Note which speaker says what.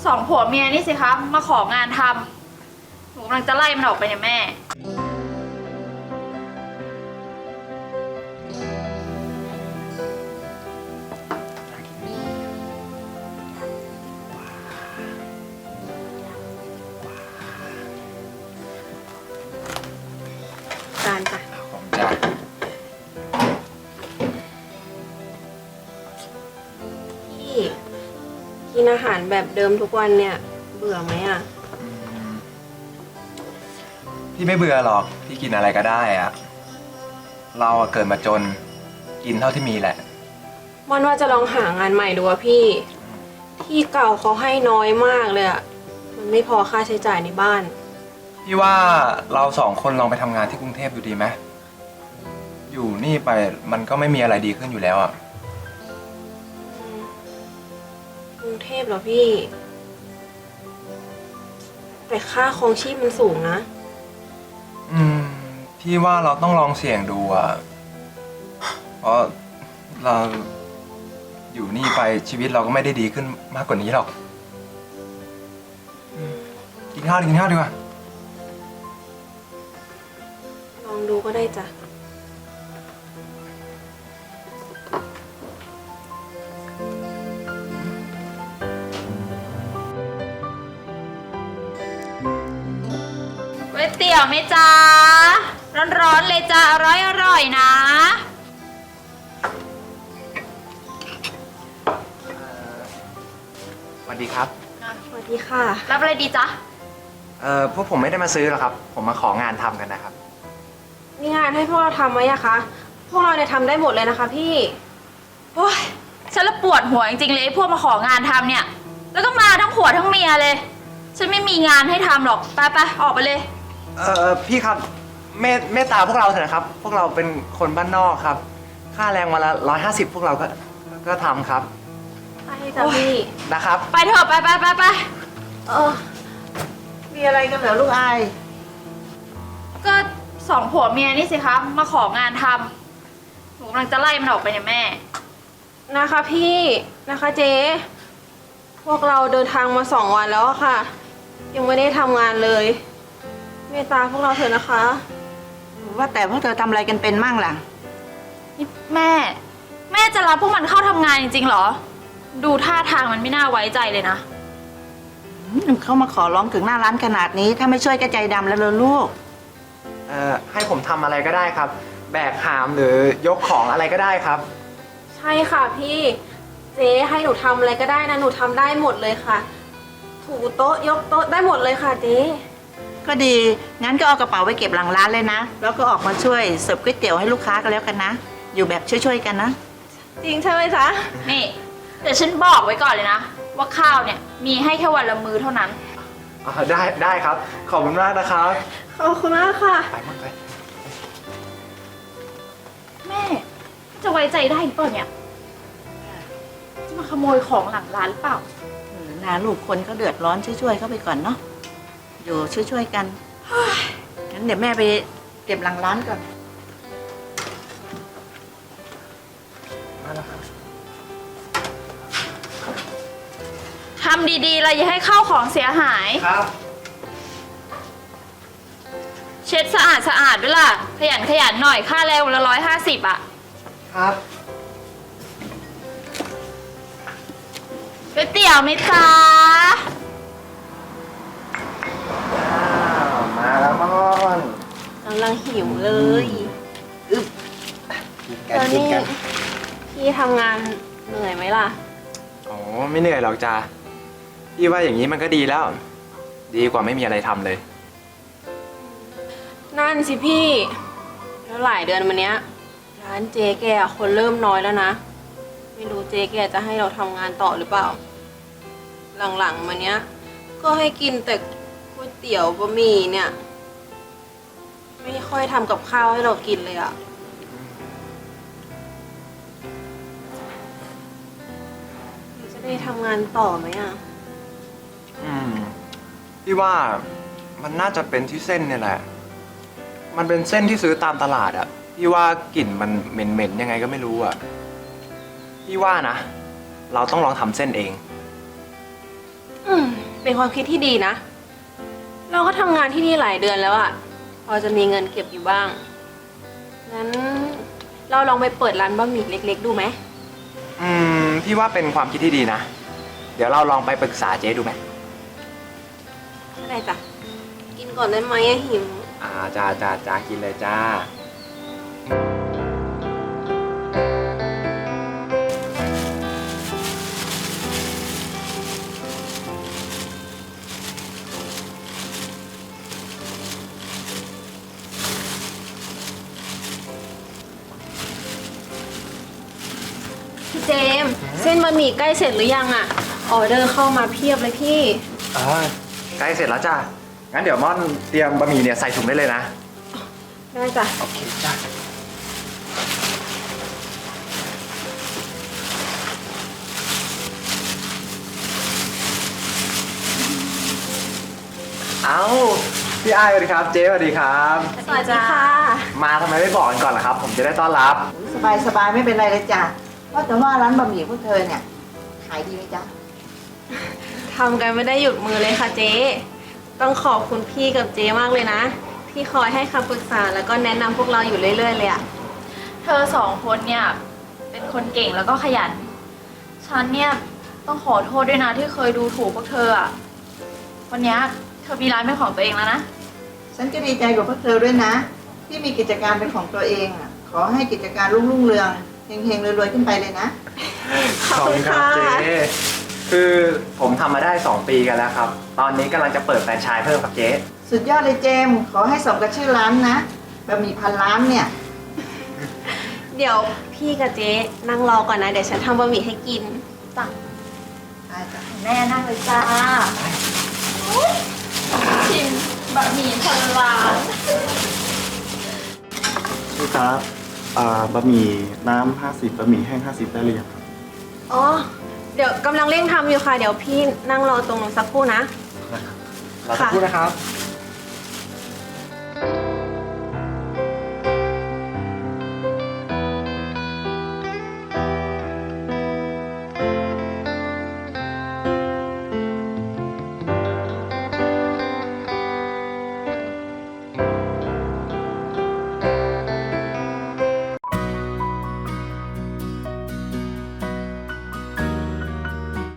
Speaker 1: สองผัวเมียนี่สิคะมาของานทำหนูกำลังจะไล่มันออกไปเนี่ยแม่
Speaker 2: จานจ้ะ
Speaker 3: ของจ้า
Speaker 2: พี่กินอาหารแบบเดิมทุกวันเนี่ยเบื่อไหมอ่ะ
Speaker 3: พี่ไม่เบื่อหรอกพี่กินอะไรก็ได้อะเราอะเกิดมาจนกินเท่าที่มีแหละ
Speaker 2: ม่อนว่าจะลองหางานใหม่ดูอะพี่ที่เก่าเขาให้น้อยมากเลยอะมันไม่พอค่าใช้จ่ายในบ้าน
Speaker 3: พี่ว่าเราสองคนลองไปทำงานที่กรุงเทพดูดีไหมอยู่นี่ไปมันก็ไม่มีอะไรดีขึ้นอยู่แล้วอะ
Speaker 2: กรุงเทพเหรอพี่ แต่ค่าครองชีพมันสูงนะ
Speaker 3: พี่ว่าเราต้องลองเสี่ยงดูอะเพราะเราอยู่นี่ไปชีวิตเราก็ไม่ได้ดีขึ้นมากกว่านี้หรอกกินข้าวดีกว่า
Speaker 2: ลองดูก็ได้จ้ะ
Speaker 1: ก๋วยเตี๋ยวไหมจ๊ะร้อนๆเลยจ้ะอร่อยนะ
Speaker 3: สวัสดีครับ
Speaker 2: สวัสดีค่ะ
Speaker 1: รับอะไรดีจ๊ะ
Speaker 3: พวกผมไม่ได้มาซื้อหรอกครับ ผมมาของานทำกันนะครับ
Speaker 2: มีงานให้พวกเราทำไหมอะคะ พวกเราเนี่ยทำได้หมดเลยนะคะพี่
Speaker 1: โอ้ยฉันละปวดหัวจริงๆเลยไอ้พวกมาของานทำเนี่ย แล้วก็มาทั้งผัวทั้งเมียเลย ฉันไม่มีงานให้ทำหรอกไปออกไปเลย
Speaker 3: พี่ครับเมตตาพวกเราเถอะนะครับ พวกเราเป็นคนบ้านนอกครับ ค่าแรงวันละ150พวกเราก็ทำครับ
Speaker 2: ใช่จ้ะพี่
Speaker 3: นะครับ
Speaker 1: ไปเถอะไป
Speaker 4: มีอะไรกันเหรอลูกอาย
Speaker 1: ก็สองผัวเมียนี่สิคะมาของานทำหนูกำลังจะไล่มันออกไปเนี่ยแม่
Speaker 2: นะคะพี่นะคะเจ๊พวกเราเดินทางมา2 วันแล้วอะค่ะ ยังไม่ได้ทำงานเลย เมตตาพวกเราเถอะนะคะ
Speaker 4: ว่าแต่พวกเธอทำอะไรกันเป็นมั่งล่ะ
Speaker 1: นี่แม่จะรับพวกมันเข้าทำงานจริงๆเหรอ ดูท่าทางมันไม่น่าไว้ใจเลยนะ
Speaker 4: เขามาขอร้องถึงหน้าร้านขนาดนี้ ถ้าไม่ช่วยก็ใจดำแล้วเลยลูก
Speaker 3: ให้ผมทำอะไรก็ได้ครับ แบกหามหรือยกของอะไรก็ได้ครับ
Speaker 2: ใช่ค่ะพี่เจ๊ให้หนูทำอะไรก็ได้นะหนูทำได้หมดเลยค่ะ ถูโต๊ะยกโต๊ะได้หมดเลยค่ะเจ๊
Speaker 4: ก็ดี งั้นก็เอากระเป๋าไว้เก็บหลังร้านเลยนะ แล้วก็ออกมาช่วยเสิร์ฟก๋วยเตี๋ยวให้ลูกค้ากันแล้วกันนะ อยู่แบบช่วยๆกันนะ
Speaker 2: จริงใช่ไหมจ๊ะ
Speaker 1: นี่เดี๋ยวฉันบอกไว้ก่อนเลยนะ ว่าข้าวเนี่ยมีให้แค่วันละมื้อเท่านั้น
Speaker 3: ได้ครับ ขอบคุณมากนะครับ
Speaker 2: ขอบคุณมากค่ะ
Speaker 3: ไปมั่งไป
Speaker 1: แม่จะไว้ใจได้หรือเปล่าเนี่ย จะมาขโมยของหลังร้านหรือเปล่า
Speaker 4: นะลูกคนเขาเดือดร้อนช่วยๆเขาไปก่อนเนาะ อยู่ช่วยๆกัน งั้นเดี๋ยวแม่ไปเก็บหลังร้านก่อน
Speaker 3: มาแล้วครับ
Speaker 1: ทำดีๆเลยอย่าให้ข้าวของเสียหาย
Speaker 3: ครับ
Speaker 1: เช็ดสะอาดด้วยล่ะ ขยันหน่อยค่าแรงวันละ150อ่ะ
Speaker 3: ครับ
Speaker 1: ก๋วยเตี๋ยวไหมจ๊ะ
Speaker 3: มาแล้วมอน
Speaker 2: กำลังหิวเลย
Speaker 3: กินกั
Speaker 2: แล้
Speaker 3: น
Speaker 2: ว
Speaker 3: กิน
Speaker 2: นี่
Speaker 3: กัน
Speaker 2: พี่ทำงานเหนื่อยไหมล่ะ
Speaker 3: โอ้ไม่เหนื่อยหรอกจ้าพี่ว่าอย่างนี้มันก็ดีแล้ว ดีกว่าไม่มีอะไรทำเลย
Speaker 2: นั่นสิพี่ แล้วหลายเดือนมาเนี้ย ร้านเจ๊แกอะคนเริ่มน้อยแล้วนะ ไม่รู้เจ๊แกจะให้เราทำงานต่อหรือเปล่า หลังๆมาเนี้ย ก็ให้กินแต่ก๋วยเตี๋ยวบะหมี่เนี่ย ไม่ค่อยทำกับข้าวให้เรากินเลยอะจะได้ทำงานต่อไหมอะ
Speaker 3: พี่ว่ามันน่าจะเป็นที่เส้นเนี่ยแหละ มันเป็นเส้นที่ซื้อตามตลาดอะพี่ว่ากลิ่นมันเหม็นๆยังไงก็ไม่รู้อะพี่ว่านะ เราต้องลองทำเส้นเอง
Speaker 2: อืมเป็นความคิดที่ดีนะ เราก็ทำงานที่นี่หลายเดือนแล้วอะพอจะมีเงินเก็บอยู่บ้าง งั้นเราลองไปเปิดร้านบะหมี่เล็กๆดูไหม
Speaker 3: พี่ว่าเป็นความคิดที่ดีนะ เดี๋ยวเราลองไปปรึกษาเจ๊ดูไหม
Speaker 2: ไม่ได้จ้ะ กินก่อนได้ไหมอะหิว
Speaker 3: จ้ากินเลยจ้า
Speaker 2: พี่เจมส์เส้นบะหมี่ใกล้เสร็จหรือยังอะออเดอร์เข้ามาเพียบเลยพี่
Speaker 3: ใกล้เสร็จแล้วจ้า งั้นเดี๋ยวม่อนเตรียมบะหมี่เนี่ยใส่ถุงได้เลยนะ
Speaker 2: ได้จ้ะ
Speaker 3: โอเคจ้า เอาพี่อ้ายสวัสดีครับ เจ๊สวัสดีครับ
Speaker 2: สวัสดีค่ะ
Speaker 3: มาทำไมไม่บอกกันก่อนล่ะครับ ผมจะได้ต้อนรับ
Speaker 4: สบายไม่เป็นไรเลยจ้ะว่าแต่ว่าร้านบะหมี่พวกเธอเนี่ยขายดีไหมจ๊ะ
Speaker 2: ทำกันไม่ได้หยุดมือเลยค่ะเจ๊ ต้องขอบคุณพี่กับเจ๊มากเลยนะ ที่คอยให้คำปรึกษาแล้วก็แนะนำพวกเราอยู่เรื่อยๆเลยอะ
Speaker 1: เธอสองคนเนี่ยเป็นคนเก่งแล้วก็ขยัน ฉันเนี่ยต้องขอโทษด้วยนะที่เคยดูถูกพวกเธออะวันเนี้ยเธอมีร้านเป็นของตัวเองแล้วนะ
Speaker 4: ฉันก็ดีใจกับพวกเธอด้วยนะ ที่มีกิจการเป็นของตัวเองอ่ะขอให้กิจการรุ่งเรืองเฮงๆรวยๆขึ้นไปเลยนะ
Speaker 2: ขอบคุณค่ะ
Speaker 3: เจ๊คือผมทำมาได้ 2 ปีกันแล้วครับ ตอนนี้กำลังจะเปิดแฟรนไชส์เพิ่มครับเจ๊
Speaker 4: สุดยอดเลยเจมส์ขอให้สมกับชื่อร้านนะบะหมี่พันล้านเนี่ย
Speaker 2: เดี๋ยวพี่กับเจ๊นั่งรอก่อนนะ เดี๋ยวฉันทำบะหมี่ให้กิน
Speaker 1: จ้ะ
Speaker 4: ได้จ้ะ
Speaker 1: แม่นั่งเลยจ้าชิมบะหมี่พันล้าน
Speaker 5: พี่ครับบะหมี่น้ำ50บะหมี่แห้ง50ได้หรือยังครับ
Speaker 2: อ๋อ เดี๋ยวกำลังเร่งทำอยู่ค่ะ เดี๋ยวพี่นั่งรอตรงนู้นสักครู่นะ
Speaker 3: เราจะพูดนะครับ
Speaker 2: ค